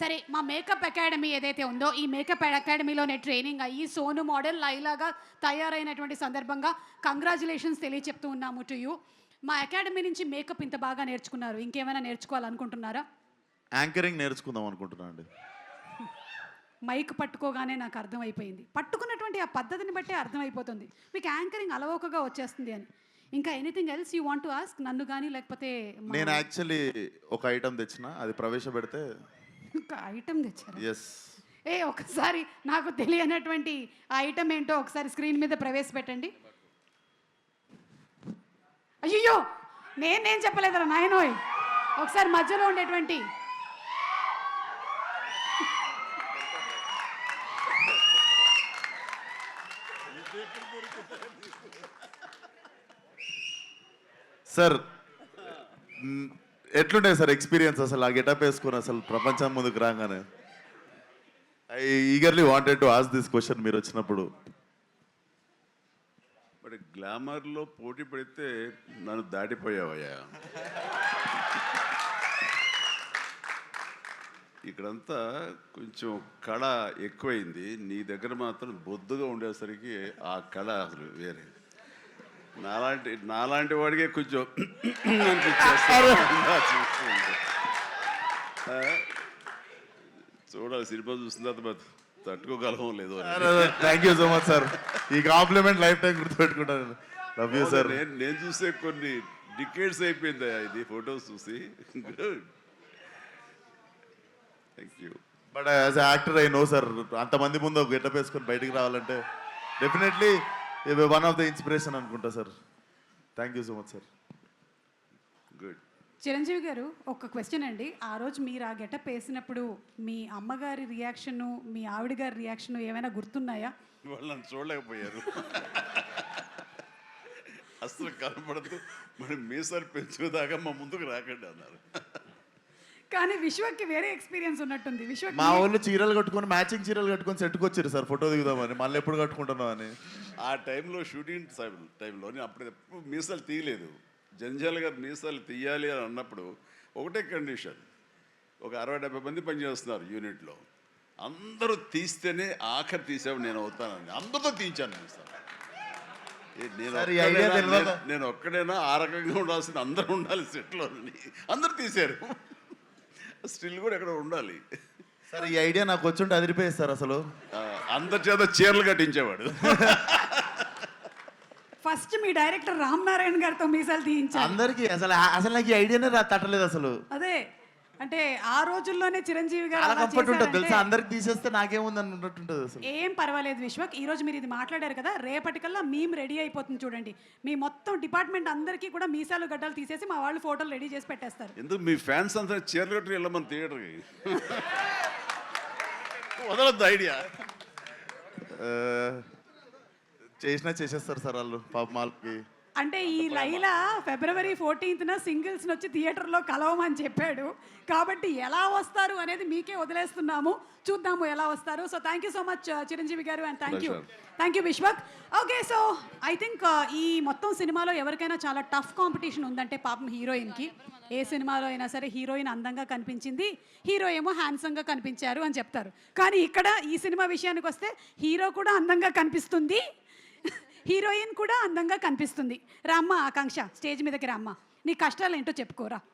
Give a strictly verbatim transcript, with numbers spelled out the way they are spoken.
సరే, మా makeup academy ఏదైతే ఉందో ఈ మేకప్ అకాడమీలోనే ట్రైనింగ్ అయ్యి సోను మోడల్ లైలాగా తయారైనటువంటి సందర్భంగా కంగ్రాచులేషన్స్ తెలియచెప్తూ ఉన్నాము టు యూ. మా అకాడమీ నుంచి మేకప్ ఇంత బాగా నేర్చుకున్నారు, ఇంకేమైనా నేర్చుకోవాలనుకుంటున్నారా? యాంకరింగ్ నేర్చుకుందాం అనుకుంటున్నా అండి. మైక్ పట్టుకోగానే నాకు అర్థమైపోయింది, పట్టుకున్నటువంటి ఆ పద్ధతిని బట్టే అర్థమైపోతుంది మీకు యాంకరింగ్ అలవోకగా వచ్చేస్తుంది అని. ఇంకా anything else you want to ask నన్ను కానీ లేకపోతే? నేను యాక్చువల్లీ ఒక ఐటమ్ తెచ్చిన, అది ప్రవేశపెడితే. ఒక ఐటమ్ తెచ్చారు? ఎస్. ఏ ఒకసారి నాకు తెలియనటువంటి ఆ ఐటమ్ ఏంటో ఒకసారి స్క్రీన్ మీద ప్రవేశపెట్టండి. అయ్యో, నేను నేను చెప్పలేదురా నాయనోయ్. ఒకసారి మధ్యలో ఉండేటువంటి సార్, ఎట్లుండే సార్ ఎక్స్పీరియన్స్ అసలు ఆ గెటప్ వేసుకుని అసలు ప్రపంచం ముందుకు రాగానే? I eagerly wanted to ask this question మీరు వచ్చినప్పుడు. బట్ గ్లామర్లో పోటీ పడితే నన్ను దాటిపోయావయ్యా. ఇక్కడంతా కొంచెం కళ ఎక్కువైంది, నీ దగ్గర మాత్రం బొద్దుగా ఉండేసరికి ఆ కళ అసలు వేరే. నాలాంటి నాలాంటి వాడికే కొంచెం చూడాలి, సినిమా చూసిన తర్వాత తట్టుకోగలమో లేదో. Thank you so much sir, ఈ కాంప్లిమెంట్ లైఫ్ టైం గుర్తుపెట్టుకుంటాను. Love you sir. నేను నేను చూసే కొన్ని డికేట్స్ అయిపోయింది ఇది ఫొటోస్ చూసి. Good, thank you. But as a actor I know sir, అంతమంది ముందు ఒక గెటప్ వేసుకొని బయటికి రావాలంటే definitely one of the inspiration అనుకుంటా sir. Thank you so much sir. Good. Chiranjeevi garu, ఒక క్వశ్చన్ అండి. ఆ రోజు మీరు ఆ గెటప్ వేసినప్పుడు మీ అమ్మగారి రియాక్షను, మీ ఆవిడ గారి రియాక్షను ఏమైనా గుర్తున్నాయా? వాళ్ళు నన్ను చూడలేకపోయారు, అసలు కనపడదు, మరి మీసాలు పెంచుదాకా మా ముందుకు రాకండి అన్నారు. కానీ విశ్వక్కి వేరే ఎక్స్పీరియన్స్ ఉన్నట్టుంది. విశ్వ మా వాళ్ళు చీరలు కట్టుకొని మ్యాచింగ్ చీరలు కట్టుకొని సెట్కి వచ్చారు సార్ ఫోటో దిగుదామని. మళ్ళీ ఎప్పుడు కట్టుకుంటున్నాం అని. ఆ టైంలో షూటింగ్ టైంలో అప్పుడు ఎప్పుడు మీసాలు తీయలేదు. జంజాల గారు మీసాలు తీయాలి అని అన్నప్పుడు ఒకటే కండిషన్, ఒక అరవై డెబ్బై మంది పనిచేస్తున్నారు యూనిట్లో, అందరూ తీస్తేనే ఆఖరి తీసేవాడు నేను అవుతానని అందరితో తీయించాను మీసాలు. నేను నేను ఒక్కడైనా ఆ రకంగా ఉండాల్సిన అందరూ ఉండాలి సెట్లో, అందరూ తీశారు. స్టిల్ కూడా ఎక్కడ ఉండాలి సార్. ఈ ఐడియా నాకు వచ్చుంటే అదిరిపోయేది సార్. అసలు అందరి చేత చీరలు కట్టించేవాడు. ఫస్ట్ మీ డైరెక్టర్ రామ్ నారాయణ గారితో మీసాలు తీయించారు అందరికి. అసలు అసలు నాకు ఈ ఐడియానే రా తట్టలేదు అసలు. అదే అంటే ఆ రోజుల్లోనే చిరంజీవి గారు చాలా కంఫర్ట్ ఉంటుంది తెలుసా, అందరికి తీసేస్తే నాకేముంది అన్నట్టుంటుంది అసలు. ఏం పర్వాలేదు విశ్వక్, ఈ రోజు మీరు ఇది మాట్లాడారు కదా, రేపటికల్లా మేము రెడీ అయిపోతుంది చూడండి. మీ మొత్తం డిపార్ట్మెంట్ అందరికీ కూడా మీసాలు గడ్డలు తీసేసి మా వాళ్ళు ఫోటోలు రెడీ చేసి పెట్టేస్తారు. ఎందుకు మీ ఫ్యాన్స్ అంతా చీరలు కట్టి వెళ్ళమని థియేటర్కి వదలద్దు ఐడియా. చేసినా చేసేస్తారు సార్ వాళ్ళు పాప మాల్కి. అంటే ఈ లైలా ఫిబ్రవరి ఫోర్టీన్త్న సింగిల్స్ వచ్చి థియేటర్లో కలవమని చెప్పాడు కాబట్టి ఎలా వస్తారు అనేది మీకే వదిలేస్తున్నాము, చూద్దాము ఎలా వస్తారు. So thank you so much Chiranjeevi garu, and thank you thank you Vishwak. Okay, so I think ఈ మొత్తం సినిమాలో ఎవరికైనా చాలా టఫ్ కాంపిటీషన్ ఉందంటే పాపం హీరోయిన్కి. ఏ సినిమాలో అయినా సరే హీరోయిన్ అందంగా కనిపించింది, హీరో ఏమో హ్యాండ్సమ్గా కనిపించారు అని చెప్తారు. కానీ ఇక్కడ ఈ సినిమా విషయానికి వస్తే హీరో కూడా అందంగా కనిపిస్తుంది, హీరోయిన్ కూడా అందంగా కనిపిస్తుంది. రామ్మ ఆకాంక్ష, స్టేజ్ మీదకి రామ్మ, నీ కష్టాలు ఏంటో చెప్పుకోరా.